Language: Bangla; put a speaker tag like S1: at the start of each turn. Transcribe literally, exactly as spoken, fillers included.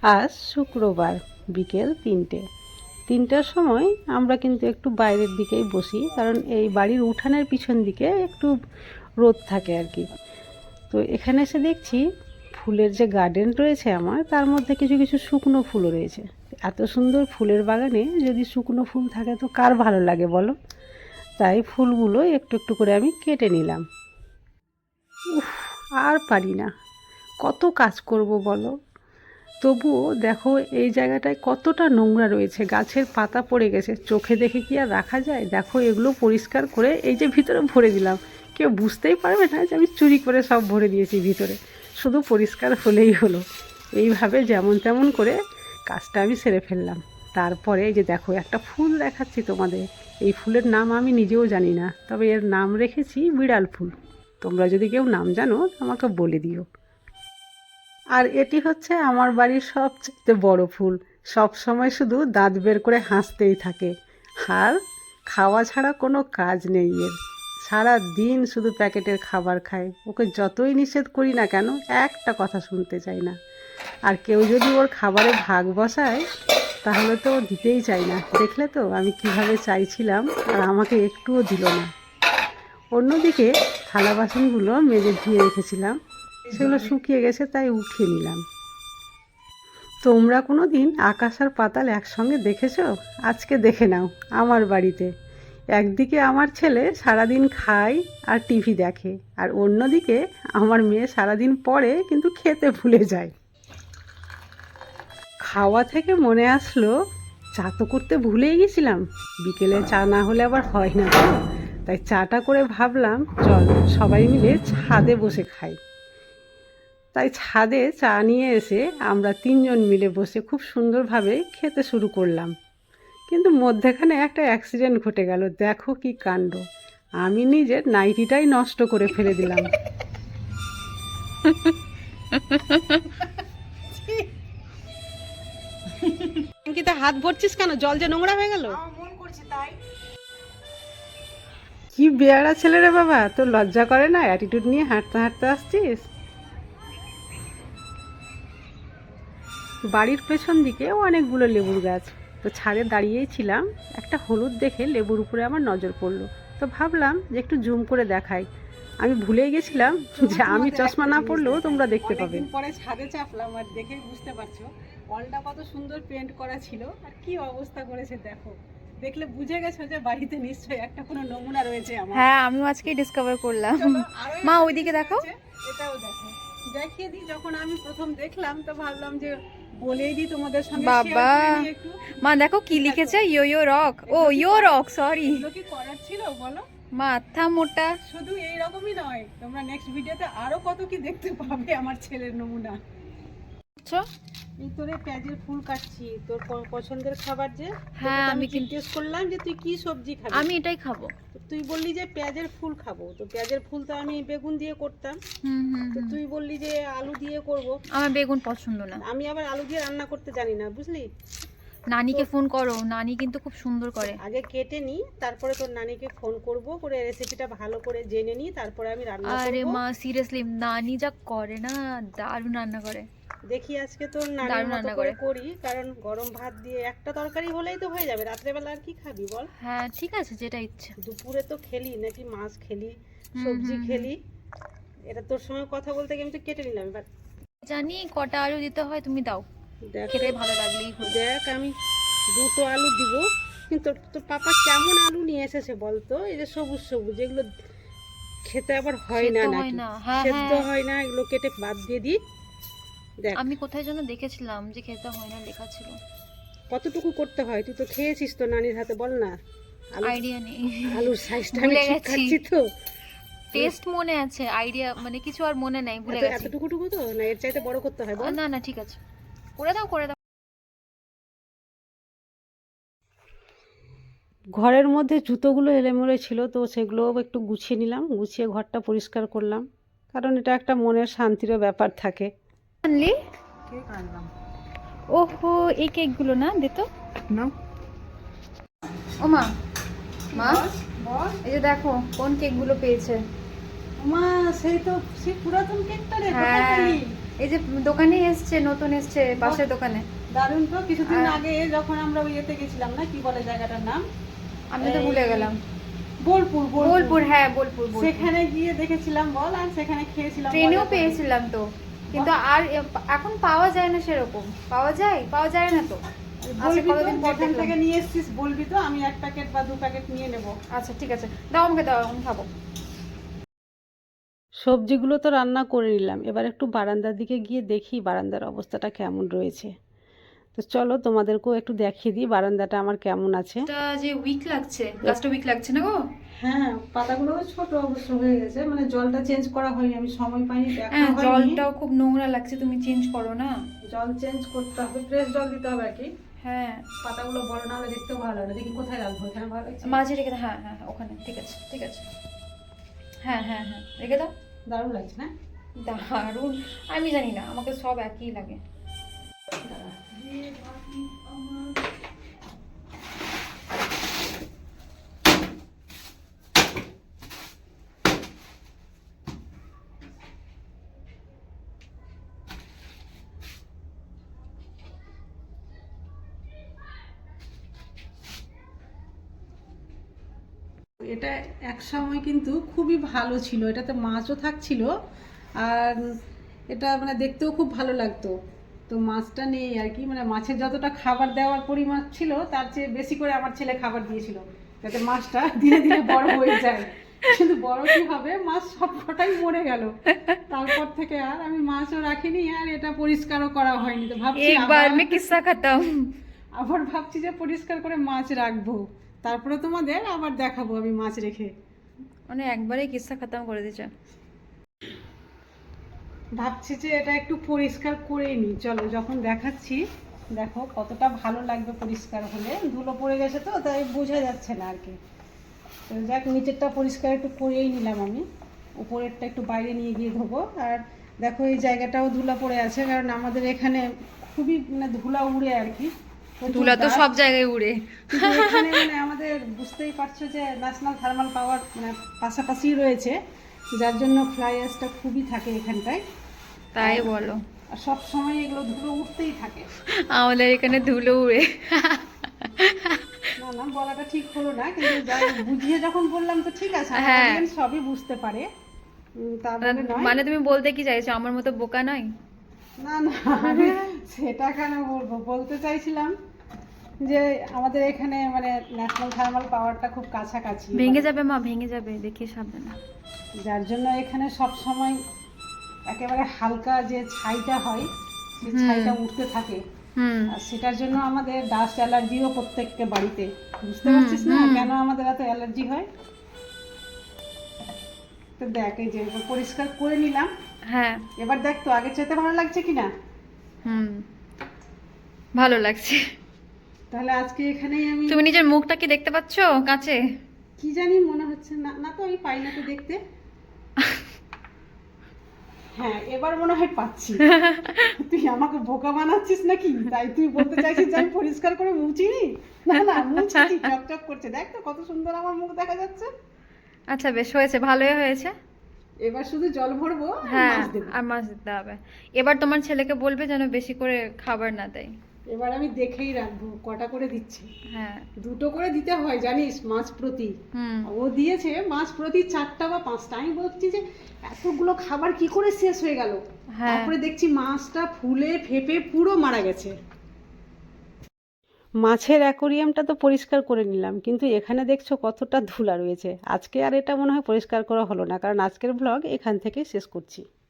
S1: আজ শুক্রবার বিকেল তিনটে তিনটার সময় আমরা কিন্তু একটু বাইরের দিকেই বসি, কারণ এই বাড়ির উঠানের পিছন দিকে একটু রোদ থাকে আর কি। তো এখানে এসে দেখছি ফুলের যে গার্ডেন রয়েছে আমার, তার মধ্যে কিছু কিছু শুকনো ফুলও রয়েছে। এত সুন্দর ফুলের বাগানে যদি শুকনো ফুল থাকে তো কার ভালো লাগে বলো। তাই ফুলগুলো একটু একটু করে আমি কেটে নিলাম। উফ, আর পারি না, কত কাজ করব বলো। তবুও দেখো এই জায়গাটায় কতটা নোংরা রয়েছে, গাছের পাতা পড়ে গেছে, চোখে দেখে কি আর রাখা যায়। দেখো এগুলো পরিষ্কার করে এই যে ভিতরে ভরে দিলাম, কেউ বুঝতেই পারবে না যে আমি চুরি করে সব ভরে দিয়েছি ভিতরে, শুধু পরিষ্কার হলেই হলো। এইভাবে যেমন তেমন করে কাজটা আমি সেরে ফেললাম। তারপরে এই যে দেখো একটা ফুল দেখাচ্ছি তোমাদের। এই ফুলের নাম আমি নিজেও জানি না, তবে এর নাম রেখেছি বিড়াল ফুল। তোমরা যদি কেউ নাম জানো আমাকে বলে দিও। আর এটি হচ্ছে আমার বাড়ির সবচেয়ে বড় ফুল, সব সময় শুধু দাঁত বের করে হাসতেই থাকে। আর খাওয়া ছাড়া কোনো কাজ নেই এর, সারা দিন শুধু প্যাকেটের খাবার খায়। ওকে যতই নিষেধ করি না কেন একটা কথা শুনতে চায় না। আর কেউ যদি ওর খাবারে ভাগ বসায় তাহলে তো ও দিতেই চায় না। দেখলে তো আমি কিভাবে চাইছিলাম আর আমাকে একটুও দিল না। অন্যদিকে থালা বাসনগুলো মেজে ধুয়ে রেখেছিলাম, সেগুলো শুকিয়ে গেছে তাই উঠিয়ে নিলাম। তোমরা কোনো দিন আকাশ আর পাতাল একসঙ্গে দেখেছো? আজকে দেখে নাও আমার বাড়িতে। একদিকে আমার ছেলে সারাদিন খায় আর টিভি দেখে, আর অন্যদিকে আমার মেয়ে সারাদিন পড়ে কিন্তু খেতে ভুলে যায়। খাওয়া থেকে মনে আসলো, চা তো করতে ভুলেই গেছিলাম। বিকেলে চা না হলে আবার হয় না তো, তাই চাটা করে ভাবলাম চল সবাই মিলে ছাদে বসে খাই। তাই ছাদে চা নিয়ে এসে আমরা তিনজন মিলে বসে খুব সুন্দরভাবে খেতে শুরু করলাম। কিন্তু মধ্যেখানে একটা অ্যাক্সিডেন্ট ঘটে গেল। দেখো কি কাণ্ড, আমি নিজের নাইটিটাই নষ্ট করে ফেলে দিলাম। কিন্তু হাত ভরছিস কেন? জল যে নোংরা হয়ে গেল। কি বেয়ারা ছেলে রে বাবা, তোর লজ্জা করে না? অ্যাটিটিউড নিয়ে হাঁটতে হাঁটতে আসছিস। বাড়ির পেছন দিকে অনেকগুলো লেবুর গাছ, তো ছাদে দাঁড়িয়েই ছিলাম, একটা হলুদ দেখে লেবুর উপরে আমার নজর পড়লো। তো ভাবলাম যে একটু জুম করে দেখাই। আমি ভুলেই গেছিলাম যে আমি চশমা না পড়লেও তোমরা দেখতে পাবে। পরে ছাদে চাপলাম আর দেখে বুঝতে পারছো অলটা কত সুন্দর পেন্ট করা ছিল আর কি অবস্থা করেছে দেখো। দেখলে বুঝে গেছো যে বাড়িতে নিশ্চয়ই একটা কোনো নমুনা রয়েছে আমার।
S2: হ্যাঁ, আমিও আজকেই ডিসকভার করলাম। মা ওইদিকে দেখো,
S1: এটাও দেখো, দেখিয়ে দিই। যখন আমি প্রথম দেখলাম তো ভাবলাম যে বলেই দিই তোমাদের সঙ্গে।
S2: বাবা মা দেখো কি লিখেছে, ইয়ো ইয়ো রক। ও ইয়ো রক, সরি।
S1: এগুলো কি করার ছিল বলো?
S2: মাথা মোটা।
S1: শুধু এই রকমই নয়, তোমরা নেক্সট ভিডিওতে আরো কত কি দেখতে পাবে আমার ছেলের নমুনা। এই তোরে পেঁয়াজের ফুল কাটছি, তোর পছন্দের খাবার যে।
S2: হ্যাঁ, আমি
S1: জিজ্ঞেস করলাম যে তুই কি সবজি খাবি।
S2: আমি এটাই খাবো।
S1: তুই বললি যে পেঁয়াজের ফুল খাবো, তো পেঁয়াজের ফুল তো আমি বেগুন দিয়ে করতাম।
S2: হুম হুম
S1: তো তুই বললি যে আলু দিয়ে করব।
S2: আমার বেগুন পছন্দ না।
S1: আমি আবার আলু দিয়ে রান্না করতে জানি না, বুঝলি।
S2: নানিকে ফোন করো, নানি কিন্তু খুব সুন্দর করে।
S1: আগে কেটে নি, তারপরে তোর নানিকে ফোন করব, করে রেসিপিটা ভালো করে জেনে নি, তারপরে আমি রান্না করব।
S2: আরে মা সিরিয়াসলি নানি যা করে না, দারুণ রান্না করে।
S1: দেখি আজকে তোর নানির মতো করে করি, কারণ গরম ভাত দিয়ে একটা তরকারি হলেই তো হয়ে যাবে। রাত্রেবেলা আর কি খাবি বল?
S2: হ্যাঁ ঠিক আছে, যেটা ইচ্ছা।
S1: দুপুরে তো খেলি নাকি মাছ খেলি, সবজি খেলি। এটা তোর সঙ্গে কথা বলতে গিয়ে আমি তো কেটে নিলাম। এবার
S2: জানি কটা আলু দিতে হয়, তুমি দাও, খেতে ভালো লাগলেই হলো।
S1: দেখ আমি দুটো আলু দিব, কিন্তু তোর পাপা কেমন আলু নিয়ে এসেছে বলতো? এই যে সবুজ সবুজ, এগুলো খেতে আবার হয় না নাকি? সেদ্ধ হয় না, এগুলো কেটে বাদ দিয়ে দিই। দেখ
S2: আমি কোথায় যেন দেখেছিলাম যে খেতে হয় না লেখা ছিল।
S1: কতটুকু করতে হয়? তুই তো খেয়েছিস তো নানির হাতে, বল না।
S2: আইডিয়া নেই,
S1: আলুর সাইজটা আমি ঠিক খাচ্ছি তো।
S2: টেস্ট মনে আছে, আইডিয়া মানে কিছু আর মনে নাই, ভুলে গেছি।
S1: এতটুকু টুকু তো না, এর চাইতে বড় করতে হয় বল?
S2: না না ঠিক আছে, করে দাও করে দাও।
S1: ঘরের মধ্যে জুতোগুলো এলোমেলো ছিল, তো সেগুলো একটু গুছিয়ে নিলাম, গুছিয়ে ঘরটা পরিষ্কার করলাম, কারণ এটা একটা মনের শান্তিরও ব্যাপার থাকে।
S2: আনলি কেক আনলাম। ওহো, এই কেকগুলো না দিত না। ও মা, মা এই যে দেখো কোন কেকগুলো পেয়েছে।
S1: মা সেই তো সেই পুরাতন কেকটা রে।
S2: হ্যাঁ এই যে দোকানে এসছে, নতুন এসছে পাশের দোকানে।
S1: দারুণ তো। কিছুদিন
S2: আর-
S1: আগে যখন আমরা ওই ইয়েতে গেছিলাম না, কি বলে জায়গাটার নাম,
S2: আমি তো ভুলে গেলাম।
S1: বোলপুর।
S2: বোলপুর, হ্যাঁ বোলপুর। বোলপুর।
S1: সেখানে গিয়ে দেখেছিলাম বল, আর সেখানে খেয়েছিলাম।
S2: ট্রেনেও
S1: মজা করে।
S2: পেয়েছিলাম তো, কিন্তু আর এ- এখন পাওয়া যায় না সেরকম। পাওয়া যায় পাওয়া যায় না তো। আচ্ছা,
S1: বলবি তো,
S2: কতদিন পর
S1: যেখান
S2: দেখলাম।
S1: থেকে নিয়ে এসেছিস বলবি তো, আমি এক প্যাকেট বা দু প্যাকেট নিয়ে নেব।
S2: আচ্ছা ঠিক আছে, দাও আমাকে, দাও আমি খাবো।
S1: সবজিগুলো তো রান্না করে নিলাম, এবার একটু বারান্দার দিকে গিয়ে দেখি বারান্দার অবস্থাটা কেমন রয়েছে। তো চলো তোমাদেরকেও একটু দেখিয়ে দিই বারান্দাটা আমার কেমন আছে।
S2: এটা যে উইক লাগছে, গাছটা উইক লাগছে না গো?
S1: হ্যাঁ, পাতাগুলো ছোট অবশ্য হয়ে গেছে, মানে জলটা চেঞ্জ করা হয়নি, আমি সময় পাইনি, দেখা
S2: হ্যাঁ,
S1: হয়নি।
S2: জলটাও খুব নোংরা লাগছে, তুমি চেঞ্জ করো না।
S1: জল চেঞ্জ করতে হবে, ফ্রেশ জল দিতে হবে আর কি।
S2: হ্যাঁ,
S1: পাতাগুলো বড় না হলে দেখতেও ভালো লাগে না। দেখি কোথায় রাখবো, এখানে ভালো লাগছে।
S2: মাঝে রেখে দাও। হ্যাঁ হ্যাঁ হ্যাঁ, ওখানে ঠিক আছে ঠিক আছে। হ্যাঁ হ্যাঁ হ্যাঁ, রেখে দাও।
S1: দারুণ লাগছে না?
S2: দারুণ। আমি জানি না, আমাকে সব একই লাগে।
S1: দাঁড়া। এটা এক সময় কিন্তু খুবই ভালো ছিল, এটাতে মাছও থাকছিল, আর এটা মানে দেখতেও খুব ভালো লাগতো। তো মাছটা নেই আর কি, মানে মাছের যতটা খাবার দেওয়ার পরিমাণ ছিল তার চেয়ে বেশি করে আমার ছেলে খাবার দিয়েছিল, যাতে মাছটা ধীরে ধীরে বড় হয়ে যায়। কিন্তু বড় কি হবে, মাছ সবকটাই মরে গেল। তারপর থেকে আর আমি মাছও রাখিনি, আর এটা পরিষ্কারও করা হয়নি। তো ভাবছি
S2: একবার
S1: আবার-
S2: মে কিস্সা খতম।
S1: আবার ভাবছি যে পরিষ্কার করে মাছ রাখবো, তারপরে তোমাদের আবার দেখাবো আমি মাছ রেখে।
S2: মানে একবারেই কিস্সা খতম করে দিচ্ছে।
S1: ভাবছি যে এটা একটু পরিষ্কার করে নিই, চলো যখন দেখাচ্ছি। দেখো কতটা ভালো লাগবে পরিষ্কার হলে, ধুলো পড়ে গেছে তো তাই বোঝা যাচ্ছে না আর কি। তো যাক, নিচেরটা পরিষ্কার একটু করেই নিলাম আমি, উপরেরটা একটু বাইরে নিয়ে গিয়ে ধোবো। আর দেখো এই জায়গাটাও ধুলা পড়ে আছে, কারণ আমাদের এখানে খুবই মানে ধুলা উড়ে আর কি। প্রচুর
S2: ধুলা তো
S1: dust।
S2: সব জায়গায় উড়ে।
S1: কিন্তু এখানে মানে আমাদের বুঝতেই পারছো যে ন্যাশনাল থার্মাল পাওয়ার মানে পাশাপাশি রয়েছে, যার জন্য ফ্লাই অ্যাশটা খুবই থাকে এখানটায়।
S2: তাই বলো?
S1: আর সব সময় এগুলো ধুলো উঠতেই থাকে।
S2: আমাদের এখানে ধুলো উড়ে।
S1: না না, বলাটা ঠিক হলো না, কিন্তু যাই হোক, বুঝিয়ে যখন বললাম তো ঠিক আছে, আমার
S2: হ্যাঁ।
S1: audience সবই বুঝতে পারে। উম, তা বলে নয়।
S2: মানে তুমি বলতে কি চাইছো, আমার মতো বোকা নয়?
S1: না না, আমি সেটা কেন বলবো, বলতে চাইছিলাম যে আমাদের এখানে মানে ন্যাশনাল থার্মাল পাওয়ারটা খুব কাছাকাছি,
S2: ভেঙে
S1: মানে
S2: যাবে মা, ভেঙে যাবে, দেখে সাবধানে।
S1: যার জন্য এখানে সব সময় একেবারে হালকা যে ছাইটা হয়, সেই
S2: হুম।
S1: ছাইটা উঠতে থাকে।
S2: হুম।
S1: আর সেটার জন্য আমাদের ডাস্ট অ্যালার্জিও প্রত্যেককে বাড়িতে। বুঝতে
S2: হুম,
S1: পারছিস না
S2: হুম।
S1: কেন আমাদের এত অ্যালার্জি হয়? তো দেখ, এই যে এবার পরিষ্কার করে নিলাম,
S2: হ্যাঁ।
S1: এবার দেখ তো আগের চাইতে ভালো লাগছে কিনা।
S2: হুম, ভালো লাগছে।
S1: তাহলে আজকে এখানেই আমি,
S2: তুমি নিজের মুখটা কি দেখতে পাচ্ছো কাঁচে?
S1: কি জানি মনে হচ্ছে না, না তো আমি পাই না তো দেখতে। হ্যাঁ, এবার মনে হয় পাচ্ছি। তুই আমাকে বোকা বানাচ্ছিস নাকি? তাই তুই বলতে চাইছিস যে আমি পরিষ্কার করে মুছিনি? না না, মুছেছি, চকচক করছে, দেখ তো কত সুন্দর আমার মুখ দেখা যাচ্ছে।
S2: আচ্ছা বেশ হয়েছে, ভালোই হয়েছে।
S1: এবার শুধু জল ভরবো আর
S2: হ্যাঁ,
S1: মাছ দেবো।
S2: আর মাছ দিতে হবে। এবার তোমার ছেলেকে বলবে যেন বেশি করে খাবার না দেয়।
S1: এবার আমি দেখেই রাখবো কটা করে দিচ্ছে।
S2: হ্যাঁ।
S1: দুটো করে দিতে হয় জানিস, মাছ প্রতি।
S2: হুম।
S1: ও দিয়েছে মাছ প্রতি চারটা বা পাঁচটা। আমি বলছি যে এতগুলো খাবার কি করে শেষ হয়ে গেল।
S2: হ্যাঁ।
S1: তারপরে দেখছি মাছটা ফুলে ফেপে পুরো মারা গেছে। মাছের অ্যাকোরিয়ামটা তো পরিষ্কার করে নিলাম, কিন্তু এখানে দেখছো কতটা ধুলা রয়েছে। আজকে আর এটা মনে হয় পরিষ্কার করা হলো না, কারণ আজকের ব্লগ এখান থেকেই শেষ করছি।